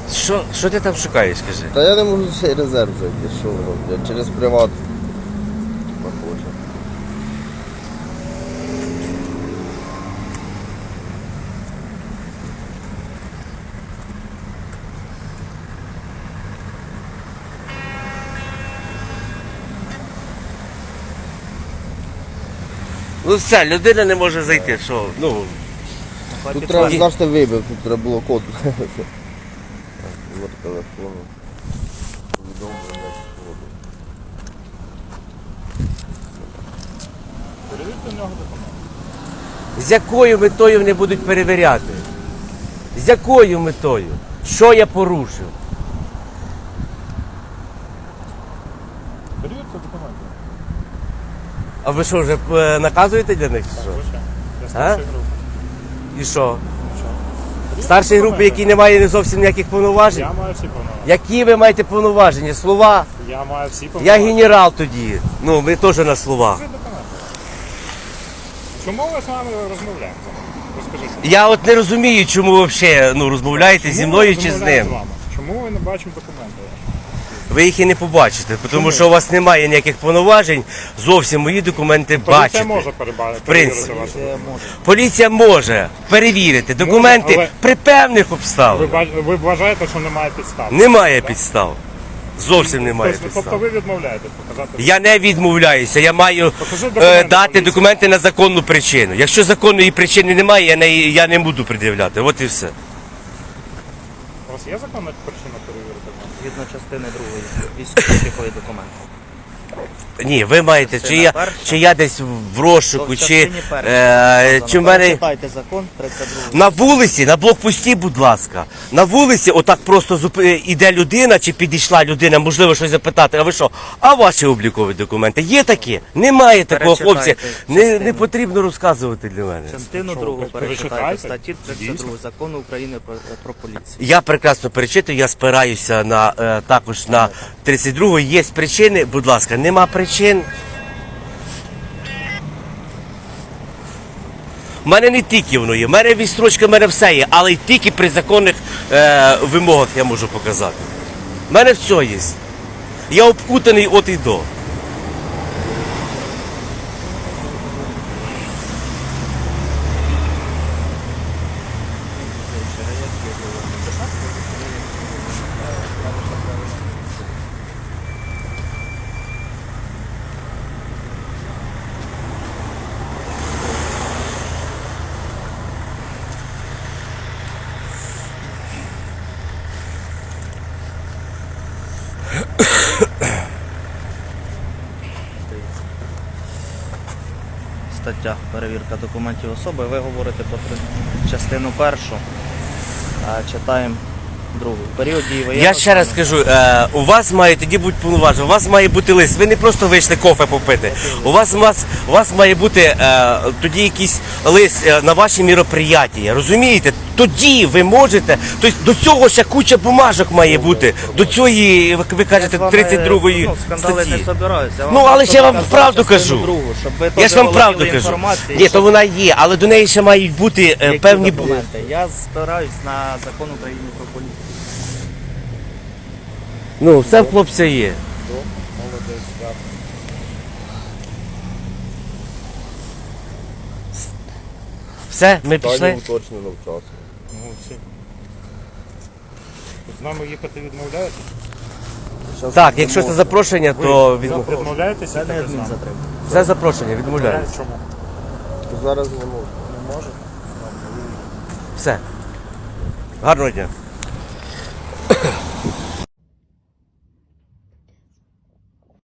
Що ти там шукаєш, скажи? Та я не можу цей резерв зайти, що воно, блядь, через приват. Похоже. Ну все, людина не може зайти, що? Ну, Тут треба, знаєш, ти вибив, тут треба було код. Номер телефону. Повідомлення. Перевірте в нього документи. з якою метою вони будуть перевіряти? З якою метою? Що я порушив? Перевірте документи. А ви що, вже наказуєте для них? Чи що? Звичайно. Я А? старшої групи. І що? Що? Старшій групі, які не має зовсім ніяких повноважень? Я маю всі повноваження. Які ви маєте повноваження? Слова? Я маю всі Я повноваження. генерал тоді. Ну, ви теж на словах. Покажи документи. Чому ми з вами розмовляємо? Розкажіть. Я от не розумію, чому ви взагалі розмовляєте зі Чому мною ми чи з розмовляємо ним. вами? Чому ви не бачимо документи? Ви їх і не побачите, тому Чому? що у вас немає ніяких повноважень зовсім мої документи Поліція бачити. може принципі. перевірити вас. Поліція може перевірити документи але- при певних обставинах. Ви вважаєте, що немає підстав? Немає підстав. Зовсім немає Тобто підстав. ви відмовляєтесь показати? Я не відмовляюся, я маю Покажи документи дати поліції. документи на законну причину. Якщо законної причини немає, я не буду пред'являти. От і все. У вас є законна причина перевірити? Згідно частини 2 військово-обліковий документ. Ні, ви маєте, чи я десь в розшуку, То в чи частині першій в мене Читайте закон 32. на вулиці, на блокпості, будь ласка. На вулиці отак просто іде людина, чи підійшла людина, можливо, щось запитати. А ви що? А ваші облікові документи є такі? Немає такого, хлопці. Перечитайте Не потрібно розказувати для мене. Частину Що, 2 ви перечитайте читаєте? статті 32 Дійсно? закону України про поліцію. Я прекрасно перечитую, я спираюся на також на 32-ї. Є причини, будь ласка, нема причин. У мене не тільки воно є, в мене відстрочка, в мене все є, але й тільки при законних вимогах я можу показати. У мене все є. Я обкутаний от і до. Стаття перевірка документів особи. Ви говорите про частину першу, а читаємо другу. Період дії воєнного Я ще раз стану. скажу, у вас має тоді бути повноваження, у вас має бути лист. Ви не просто вийшли кофе попити. У вас має бути тоді якийсь лист на ваші мероприятия. Розумієте? Тоді ви можете. Тобто до цього ще куча бумажок має бути. До цієї, ви кажете, Я з вами, 32-ї скандали статті. не собираюся. Ну, але ж я вам показав правду частину кажу. другу, щоб ви Я теж ж вам володіли правду кажу. інформацією, Ні, то щоб- вона є, але до неї ще мають бути Які певні. документи? Я спираюсь на закон України про поліцію. Ну, все в хлопця є. Молодець, дякую. Все, ми пішли. Питання уточнено в часу. Молодці. З нами їхати відмовляєтесь? Так, якщо це запрошення, то Відмовляєтесь Це не їхати з нами? адмінзатримання. це запрошення, відмовляюся. Чому? Зараз не можу. Не може? Все. Гарного дня.